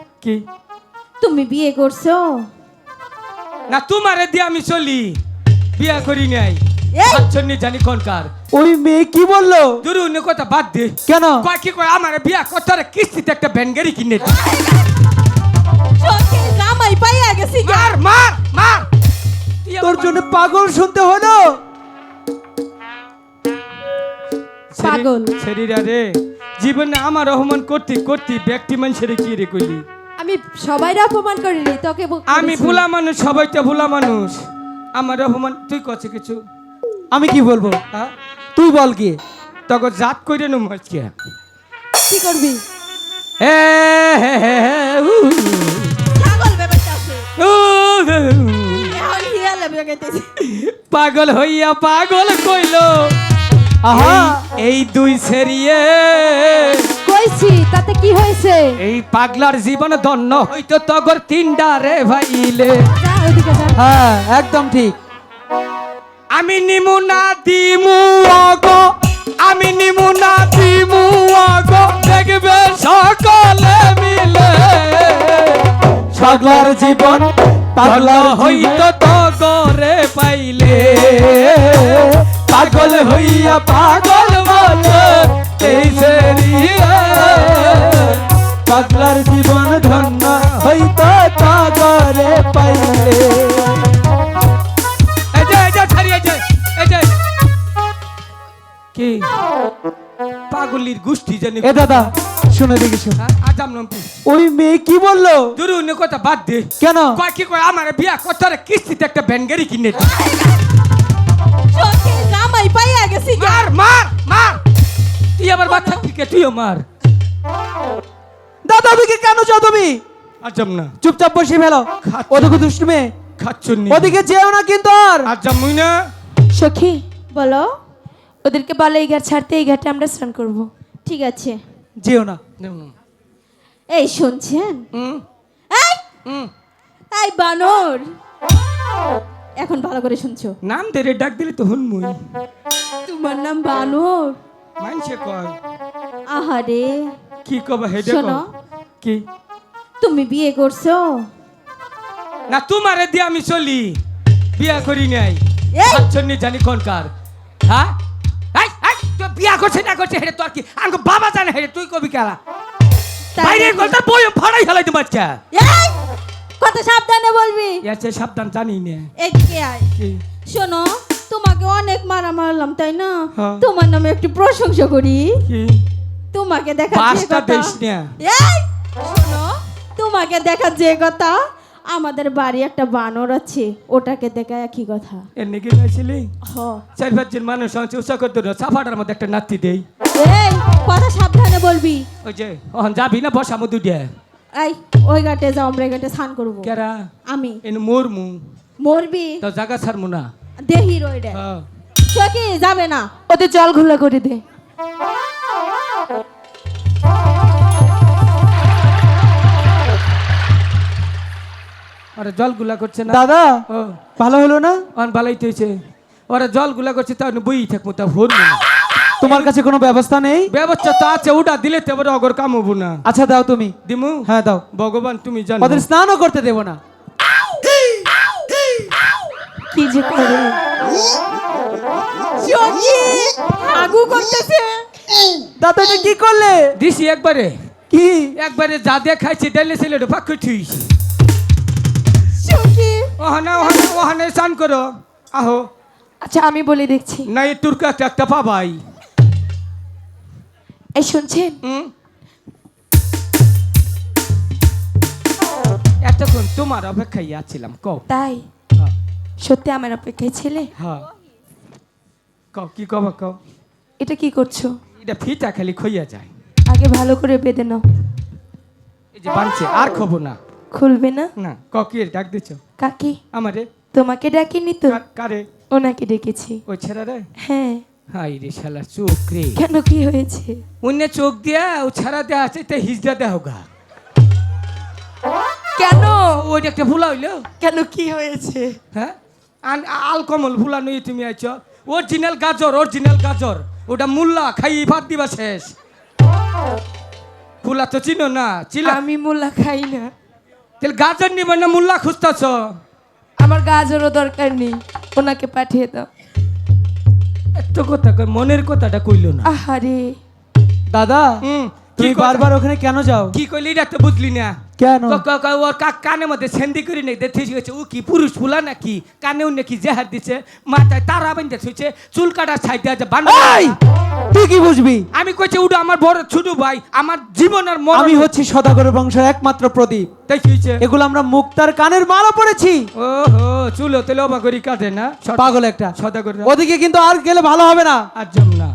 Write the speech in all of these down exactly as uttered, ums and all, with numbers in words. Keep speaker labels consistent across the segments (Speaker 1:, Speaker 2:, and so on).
Speaker 1: কি
Speaker 2: তুমি বিয়ে করছো?
Speaker 1: না তোমারে দিয়ে আমি চলি, বিয়া করি নাই।
Speaker 2: এই!
Speaker 1: আচ্ছন্নি জানি কোনকার
Speaker 3: ওই মেয়ে কি বললো?
Speaker 1: দূর অন্য কথা বাদ দে।
Speaker 3: কেন?
Speaker 1: কয় কি কয় আমার বিয়া করতে হলে কিস্তিতে একটা ভ্যান গাড়ি কিনে দে।
Speaker 2: সখী জামাই পাইয়া গেছি গা।
Speaker 1: মার মার মার তুই
Speaker 3: তোর
Speaker 1: আমার
Speaker 3: জন্য পাগল শুনতে হলো।
Speaker 2: পাগল।
Speaker 1: শরীরা রে জীবনে আমার অপমান করতে করতে ব্যক্তি মানুষের কি রে কইলি?
Speaker 2: আমি সবাইরে অপমান করিনি, তোকে বক-
Speaker 1: আমি
Speaker 2: করেছি।
Speaker 1: ভোলা মানুষ, সবাই তো ভোলা মানুষ। আমার অপমান তুই করছে কিছু?
Speaker 3: আমি কি বলবো?
Speaker 1: হ্যাঁ
Speaker 3: তুই বল কি?
Speaker 1: তখন জাত কইরে নো আজকে।
Speaker 2: কি করবি?
Speaker 1: হে হে হে হে, উ,
Speaker 2: পাগল ব্যাপারটা আছে।
Speaker 1: উ, উ,
Speaker 2: এখন হিয়ালে বেগাইতেছি।
Speaker 1: পাগল হইয়া পাগল কইলো
Speaker 3: আহা,
Speaker 1: এই- এই দুই সেরিয়ে
Speaker 2: কইছি তাতে কি হয়েছে?
Speaker 1: এই পাগলার জীবন ধন্য হইতো তগর তিনডা রে ভাইলে।
Speaker 2: যা ওইদিকে যা।
Speaker 3: হ্যাঁ একদম ঠিক।
Speaker 1: আমি নিমু না দিমু আগো, আমি নিমু না দিমু আগো, দেখবে সকলে মিলে
Speaker 3: পাগলার জীবন পাগলার
Speaker 1: ধন্য হইতো তগরে পাইলে।
Speaker 3: পাগল হইয়া পাগল বলে এই সেরিয়ে পাগলার জীবন ধন্য হইতো তাগরে পাইলে।
Speaker 1: এই যে এই যে ছাড়ি এই যে এই যে কি পাগলির গোষ্ঠী জানি।
Speaker 3: এ দাদা শুনে দেখিস,
Speaker 1: আজাম নামটি
Speaker 3: ওই মেয়ে কি বললো?
Speaker 1: দূর অন্য কথা বাদ দে।
Speaker 3: কেন?
Speaker 1: কয় কি কয় আমার বিয়া করতে হলে কিস্তিতে একটা ভ্যান গাড়ি কিনে দে।
Speaker 2: সখী জামাই পাইয়া গেছি গা।
Speaker 1: মার মার মার তুই আবার বাচ্চা থেকে তুইও মার।
Speaker 3: দাদা ওদিকে কেন যাও তুমি?
Speaker 1: আজাম না
Speaker 3: চুপচাপ বসে ফেলো।
Speaker 1: খাচ্ছি।
Speaker 3: ওদিকে দুষ্টু মেয়ে,
Speaker 1: খাচ্ছুন নি
Speaker 3: ওদিকে যেও না কিন্তু আর।
Speaker 1: আজাম মুই না
Speaker 2: সখী বলো, ওদেরকে বলে এই ঘাট ছাড়তে, এই ঘাটে আমরা স্নান করব। ঠিক আছে।
Speaker 3: যেও না।
Speaker 2: এই শুনছেন?
Speaker 1: হুম
Speaker 2: এই
Speaker 1: হুম
Speaker 2: এই বানর, এখন ভালো করে শুনছো?
Speaker 1: নাম ধরে ডাক দিলে তো হুন মুই
Speaker 2: তোমার নাম বানর?
Speaker 1: মানছে কয়
Speaker 2: আহারে,
Speaker 1: কি কবা হেডে
Speaker 2: শোনো,
Speaker 1: কি
Speaker 2: তুমি বিয়ে করছো?
Speaker 1: না তোমারে দিয়ে আমি চলি, বিয়া করি নাই।
Speaker 2: এই!
Speaker 1: আচ্ছন্নি জানি কোনকার হ্যাঁ এই এই তুই বিয়া করছিস না করছিস হেডে তোর কি আঙ্গ বাবা জানে হেডে তুই কবি কেলা
Speaker 2: তাই
Speaker 1: বাইরে
Speaker 2: নাকি?
Speaker 1: গলটা বই ফাড়াই ফেলাই তোমার চা
Speaker 2: এই কত সাবধানে বলবি।
Speaker 1: এসে সাবধান জানি না
Speaker 2: এদিকে আয়।
Speaker 1: কি
Speaker 2: শোনো, তোমাকে অনেক মারা মারলাম তাই না?
Speaker 1: হ্যাঁ।
Speaker 2: তোমার নামে একটু প্রশংসা করি।
Speaker 1: কি
Speaker 2: তোমাকে দেখা যে
Speaker 1: পাঁচটা
Speaker 2: কথা,
Speaker 1: দেশ না
Speaker 2: এই শোনো, তোমাকে দেখা যে কথা, আমাদের বাড়ি একটা বানর আছে, ওটাকে দেখা একই কথা।
Speaker 1: এর নাকি গাইছিলি
Speaker 2: হ।
Speaker 1: চার পাঁচজন মানুষ আছে উৎসাহ করতে সাফাটার মধ্যে একটা নাতি দেই।
Speaker 2: এই কথা সাবধানে বলবি।
Speaker 1: ওই যে ওহন যাবি না বসা মধু দিয়ে
Speaker 2: এই ওই ঘাটে যাও, আমরা এই ঘাটে স্নান করবো।
Speaker 1: কেরা
Speaker 2: আমি
Speaker 1: এন মোর মু
Speaker 2: মরবি
Speaker 1: তো জায়গা ছাড়মু না।
Speaker 2: দেহি রইডে
Speaker 1: হ্যাঁ
Speaker 2: সখী যাবে না, ওদের জল ঘোলা করে দে।
Speaker 1: আরে জল গুলা করছে না
Speaker 3: দাদা
Speaker 1: ও
Speaker 3: ভালো হলো না?
Speaker 1: অন ভালোই তৈছে ওরা জল গুলা করছে তা বই থাকবো তা ভোর
Speaker 3: তোমার কাছে কোনো ব্যবস্থা নেই?
Speaker 1: ব্যবস্থা তো আছে, ওটা দিলে তো এবার অগর কাম হবো না।
Speaker 3: আচ্ছা দাও তুমি।
Speaker 1: দিমু
Speaker 3: হ্যাঁ দাও।
Speaker 1: ভগবান তুমি জানো
Speaker 3: ওদের স্নানও করতে দেবো না।
Speaker 2: কি যে করে সখী আগু করতেছে।
Speaker 3: দাদা এটা কি করলে?
Speaker 1: দিছি একবারে
Speaker 3: কি?
Speaker 1: একবারে যা দেখাইছি ডাইলে ছিল পাক থুইস
Speaker 2: সখী
Speaker 1: ওহানে ওহানে ওহানে স্নান করো আহো।
Speaker 2: আচ্ছা আমি বলে দেখছি।
Speaker 1: না এই তুর্কা একটা একটা পাবাই।
Speaker 2: এই শুনছেন?
Speaker 1: হুম এতক্ষণ তোমার অপেক্ষায় আছিলাম কও।
Speaker 2: তাই
Speaker 1: হ্যাঁ
Speaker 2: সত্যি আমার অপেক্ষায় ছিলে?
Speaker 1: হ্যাঁ কও কি কবা কও।
Speaker 2: এটা কি করছো?
Speaker 1: এটা ফিটা খালি খইয়া যায়।
Speaker 2: আগে ভালো করে বেঁধে নাও।
Speaker 1: এই যে বানছে আর খবো না
Speaker 2: খুলবে না?
Speaker 1: না ক কি ডাক দিছ
Speaker 2: কাকি
Speaker 1: আমারে?
Speaker 2: তোমাকে ডাকিনি তো,
Speaker 1: কার- কারে?
Speaker 2: ওনাকে ডেকেছি।
Speaker 1: ওই ছেড়া রে
Speaker 2: হ্যাঁ।
Speaker 1: হাই রে শালা চোখ রে
Speaker 2: কেন কি হয়েছে?
Speaker 1: অন্য চোখ দিয়া ও ছাড়া দেয়া আছে তে হিজড়া দেহ গা।
Speaker 2: কেন
Speaker 1: ওইটা একটা ভুলা হইলো।
Speaker 2: কেন কি হয়েছে?
Speaker 1: হ্যাঁ আন- আল কমল ভুলা নই তুমি আইছ। অরিজিনাল গাজর অরিজিনাল গাজর ওটা মুল্লা খাই ভাত দিবা শেষ। ফুলা তো চিনো না চিলা
Speaker 4: আমি মূলা খাই না,
Speaker 1: তাহলে গাজর নিবে না মুল্লা খুঁজতেছ?
Speaker 4: আমার গাজরও দরকার নেই, ওনাকে পাঠিয়ে দাও।
Speaker 1: এত কথা কই, মনের কথাটা কইলো না।
Speaker 4: আহারে,
Speaker 1: দাদা
Speaker 3: হুম,
Speaker 1: কি
Speaker 3: তুমি
Speaker 1: কথা?
Speaker 3: বারবার ওখানে কেন যাও?
Speaker 1: কি কইলি এটা তো বুঝলি না।
Speaker 3: কেন?
Speaker 1: ক- ক- ক- ওর কা- কানের মধ্যে সেন্দি করে নেই দেখে গেছে ও কি পুরুষ ফুলা নাকি, কানেও নাকি জেহার দিছে, মাথায় তারা বেঁধে থুইছে, চুল কাটার সাইডে আছে বান।
Speaker 3: এই, তুই কি বুঝবি?
Speaker 1: আমি কইছি ওটা আমার বড় ছোট ভাই, আমার জীবনের মরণ।
Speaker 3: আমি হচ্ছি সদাগরের বংশের একমাত্র প্রদীপ।
Speaker 1: তাই কি হইছে?
Speaker 3: এগুলো আমরা মুক্তার কানের মালা পড়েছি।
Speaker 1: ওহো, চুলো তেলে অবা করি কাটে না সদ-
Speaker 3: পাগল একটা।
Speaker 1: সদাগর না।
Speaker 3: ওদিকে কিন্তু আর গেলে ভালো হবে না।
Speaker 1: আর জম না।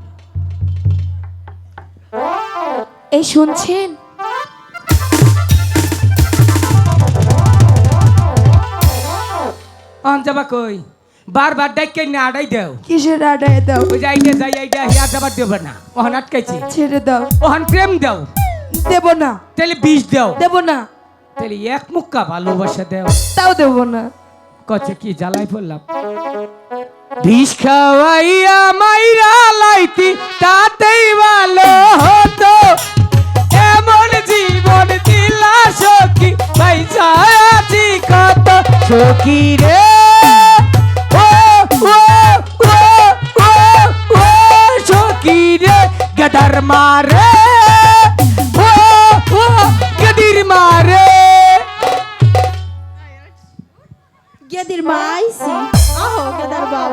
Speaker 4: এই শুনছেন?
Speaker 1: অন যাবা কই? বারবার ডাইকে না আড়াই দাও।
Speaker 4: কিসের আডায় দাও?
Speaker 1: ওই যে আইডা যাই আইডা হিয়া যাবার দেব না। ওহন আটকাইছি।
Speaker 4: ছেড়ে দাও।
Speaker 1: ওহন প্রেম দাও।
Speaker 4: দেব না,
Speaker 1: তাহলে বিষ দাও।
Speaker 4: দেব না,
Speaker 1: তাহলে এক মুক্কা ভালোবাসা দাও।
Speaker 4: তাও দেব না।
Speaker 1: কচ্ছে কি জ্বালাই পড়লাম। বিষ খাওয়াইয়া মাইরা লাইতি তাতেই ভালো হতো, এমন জীবন দিলা সখী পয়সা আছি কত সখী রে। ও ও ও ও ও সখী রে গদর মারে, ও ও গদির মারে।
Speaker 2: গেদির মা আইছি। আহো গেদার বাপ।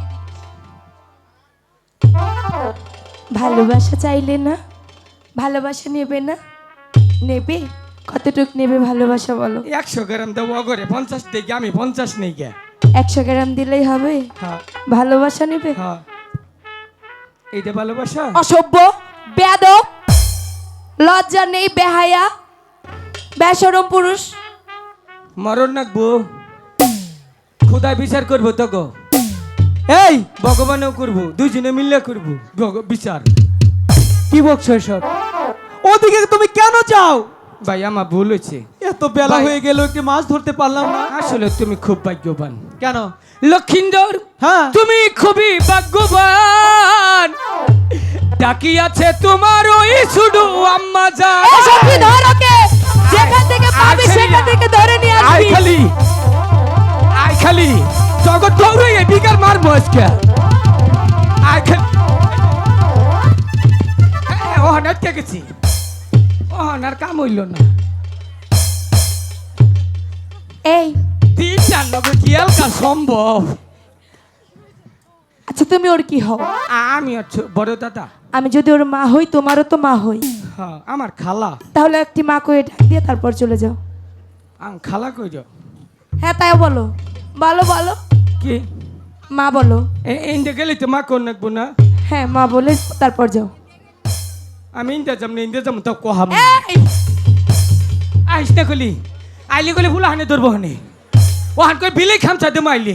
Speaker 4: ভালোবাসা চাইলে না, ভালোবাসা নেবে না? নেবে? কতটুক নেবে ভালোবাসা বলো?
Speaker 1: একশো গ্রাম দেবো অগরে, পঞ্চাশ থেকে আমি পঞ্চাশ নেই গে।
Speaker 4: একশো গ্রাম দিলেই হবে?
Speaker 1: হ্যাঁ
Speaker 4: ভালোবাসা নেবে?
Speaker 1: হ্যাঁ, এইটা ভালোবাসা?
Speaker 4: অসভ্য, বেয়াদব, লজ্জা নেই, বেহায়া, বেশরম পুরুষ।
Speaker 1: মরণ নাকবো, খুদা বিচার করবো তো গো।
Speaker 3: এই,
Speaker 1: ভগবানও করবো, দুজনে মিললে করবো ভগ- বিচার।
Speaker 3: কি বকছো এসব? ওদিকে তুমি কেন যাও?
Speaker 1: ভাই আমার ভুল হয়েছে।
Speaker 3: এত বেলা
Speaker 1: ভাই।
Speaker 3: হয়ে গেল, একটি মাছ ধরতে পারলাম না।
Speaker 1: আসলে তুমি খুব ভাগ্যবান
Speaker 3: কেন?
Speaker 1: লক্ষিন্দর।
Speaker 3: হ্যাঁ।
Speaker 1: তুমি খুবই ভাগ্যবান, ডাকি আছে তোমার ওই শুধু আম্মা যা।
Speaker 4: এসব কি ধর ওকে, যেখান থেকে পাবি সেখান থেকে ধরে নিয়ে
Speaker 1: আই
Speaker 4: আসবি।
Speaker 1: খালি আই খালি জগৎ দৌড়ে এই বিকার মারবো আজকে। আই খালি ও হানাতে গেছি, ও হানার কাম হইল না।
Speaker 4: এই,
Speaker 1: তিনটার লোকে কি এলকা সম্ভব?
Speaker 4: আচ্ছা তুমি ওর কি হও?
Speaker 1: আমি হচ্ছে বড় দাদা।
Speaker 4: আমি যদি ওর মা হই, তোমারও তো মা হই।
Speaker 1: হ্যাঁ, আমার খালা।
Speaker 4: তাহলে একটি মা কয়ে ডাক দিয়ে তারপর চলে যাও।
Speaker 1: আম খালা কই যাও?
Speaker 4: হ্যাঁ তাই বলো, বলো বলো,
Speaker 1: কি
Speaker 4: মা বলো।
Speaker 1: ইন্দে গেলে তো মা কোন নাকবো না?
Speaker 4: হ্যাঁ মা বলে তারপর যাও।
Speaker 1: আমি ইন্দে যাম না, ইন্দে যাম তো কহাম।
Speaker 4: এই,
Speaker 1: আইস না কলি আইলি গলি ফুলা হানে ধরবো হানে, ও হান কই বিলে খামচা দে মাইলি।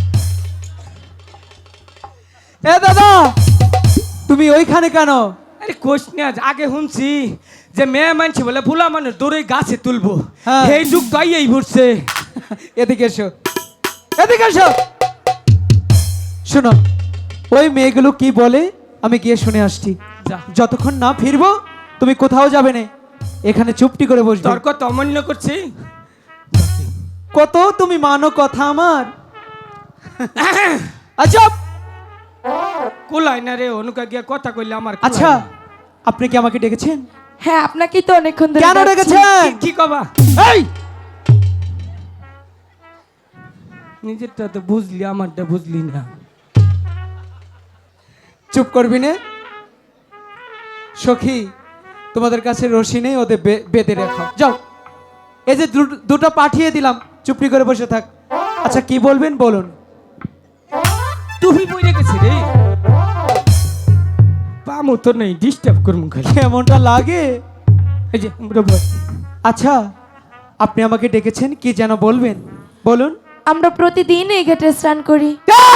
Speaker 3: এ দাদা, তুমি ওইখানে কেন?
Speaker 1: আরে কোশ না, আগে শুনছি যে মেয়ে মানছি বলে ফুলা মানুষ দৌড়ে গাছে তুলবো,
Speaker 3: হ্যাঁ।
Speaker 1: সেই যুগ তো এই ঘুরছে।
Speaker 3: এদিকে এসো, এদিকে এসো। শোনো, ওই মেয়েগুলো কি বলে আমি গিয়ে শুনে আসছি।
Speaker 1: যা।
Speaker 3: যতক্ষণ না ফিরবো তুমি কোথাও যাবে না, এখানে চুপটি করে বসবে।
Speaker 1: তর্ক তো অমান্য করছি।
Speaker 3: কত তুমি মানো কথা আমার। আচ্ছা
Speaker 1: কুলাই না রে, অনুকা গিয়া কথা কইলে আমার কুলাই
Speaker 3: আচ্ছা,
Speaker 1: না।
Speaker 3: আপনি কি আমাকে ডেকেছেন?
Speaker 4: হ্যাঁ আপনাকেই তো অনেকক্ষণ ধরে
Speaker 3: কেন
Speaker 4: ডাকছি।
Speaker 3: ডেকেছেন?
Speaker 1: কি- কি কবা?
Speaker 3: এই,
Speaker 1: নিজেরটা তো বুঝলি, আমারটা বুঝলি না।
Speaker 3: চুপ করবি না সখী? তোমাদের কাছে রশি নেই, ওদের বে- বেঁধে রেখো। যাও, এই যে দু- দুটো পাঠিয়ে দিলাম, চুপটি করে বসে থাক। আচ্ছা কি বলবেন বলুন।
Speaker 1: তুমি বই রেখেছি রে, পামো তো নেই, ডিস্টার্ব করবো খালি।
Speaker 3: কেমনটা লাগে?
Speaker 1: এই যে আমরা বল।
Speaker 3: আচ্ছা, আপনি আমাকে ডেকেছেন, কি যেন বলবেন বলুন।
Speaker 4: আমরা প্রতিদিন এই ঘাটে স্নান করি।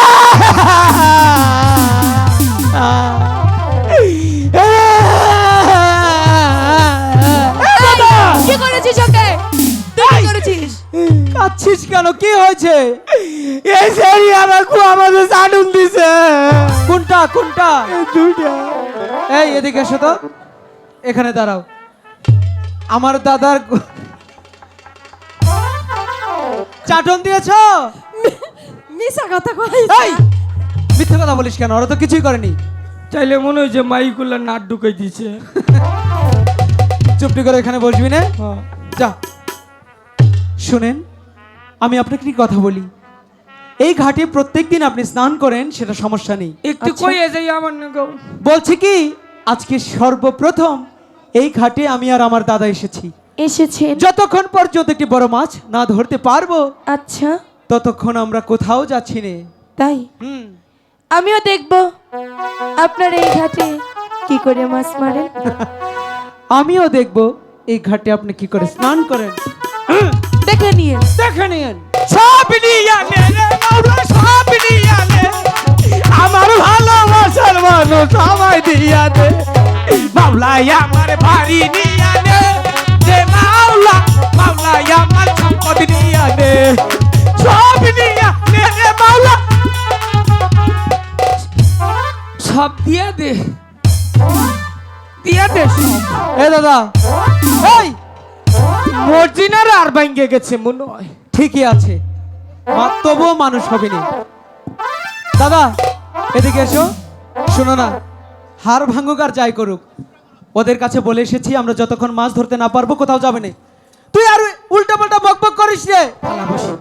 Speaker 4: কি করেছিস ওকে? তুই কি করেছিস?
Speaker 3: কাচ্ছিস কেন? কি হয়েছে? এই সেরি আমাকে আমাদের সাডুন দিছে। কোনটা কোনটা? দুইটা। এই এদিকে এসো তো, এখানে দাঁড়াও। আমার দাদার গো- চাটন দিয়েছ?
Speaker 2: মিশা কথা কই
Speaker 3: এই মিথ্যে কথা বলিস কেন? ওরা তো কিছুই করেনি।
Speaker 1: চাইলে মনে হয় যে মাইগুলো নাট ঢুকাই দিছে।
Speaker 3: চুপটি করে এখানে বসবি না?
Speaker 1: হ্যাঁ।
Speaker 3: যা। শুনেন, আমি আপনাকে কি কথা বলি, এই ঘাটে প্রত্যেকদিন আপনি স্নান করেন, সেটা সমস্যা নেই।
Speaker 1: একটু
Speaker 4: আচ্ছা।
Speaker 1: কইয়ে যাই আমার না গো।
Speaker 3: বলছি কি, আজকে সর্বপ্রথম এই ঘাটে আমি আর আমার দাদা এসেছি।
Speaker 4: এসেছেন?
Speaker 3: যতক্ষণ পর্যন্ত একটি বড় মাছ না ধরতে পারবো,
Speaker 4: আচ্ছা
Speaker 3: ততক্ষণ আমরা কোথাও যাচ্ছি না।
Speaker 4: তাই
Speaker 3: হুম।
Speaker 4: আমিও দেখব আপনার এই ঘাটে কি করে মাছ মারেন।
Speaker 3: আমিও দেখব এই ঘাটে আপনি কি করে স্নান করেন।
Speaker 4: দেখে নিয়ে
Speaker 3: দেখে নিন।
Speaker 1: সব নিয়া নে রে মাওলা, সব নিয়া নে, আমার ভালোবাসার মানুষ আমায় দিয়া দে মাওলা, আমার বাড়ি নিয়া নে দে মাওলা, মাওলা আমার সম্পদ নিয়া নে, সব নিয়া নে রে মাওলা, সব দিয়া দে, দিয়া দে সব।
Speaker 3: এ দাদা, এই
Speaker 1: মর্জিনার আর ভাঙ্গে গেছে মনে হয়।
Speaker 3: ঠিকই আছে, মা- তবুও মানুষ হবে না। দাদা এদিকে এসো। শোনো না, হার ভাঙুক আর যাই করুক, ওদের কাছে বলে এসেছি আমরা যতক্ষণ মাছ ধরতে না পারবো কোথাও যাবে না। তুই আর উল্টা পাল্টা বক বক করিস রে। পালা বসি।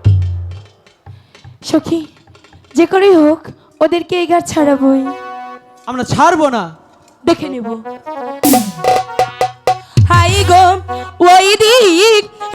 Speaker 4: সখী, যে করেই হোক ওদেরকে এই ঘাট ছাড়াবই।
Speaker 3: আমরা ছাড়বো না।
Speaker 4: দেখে নেব। হাই গো ওই দিক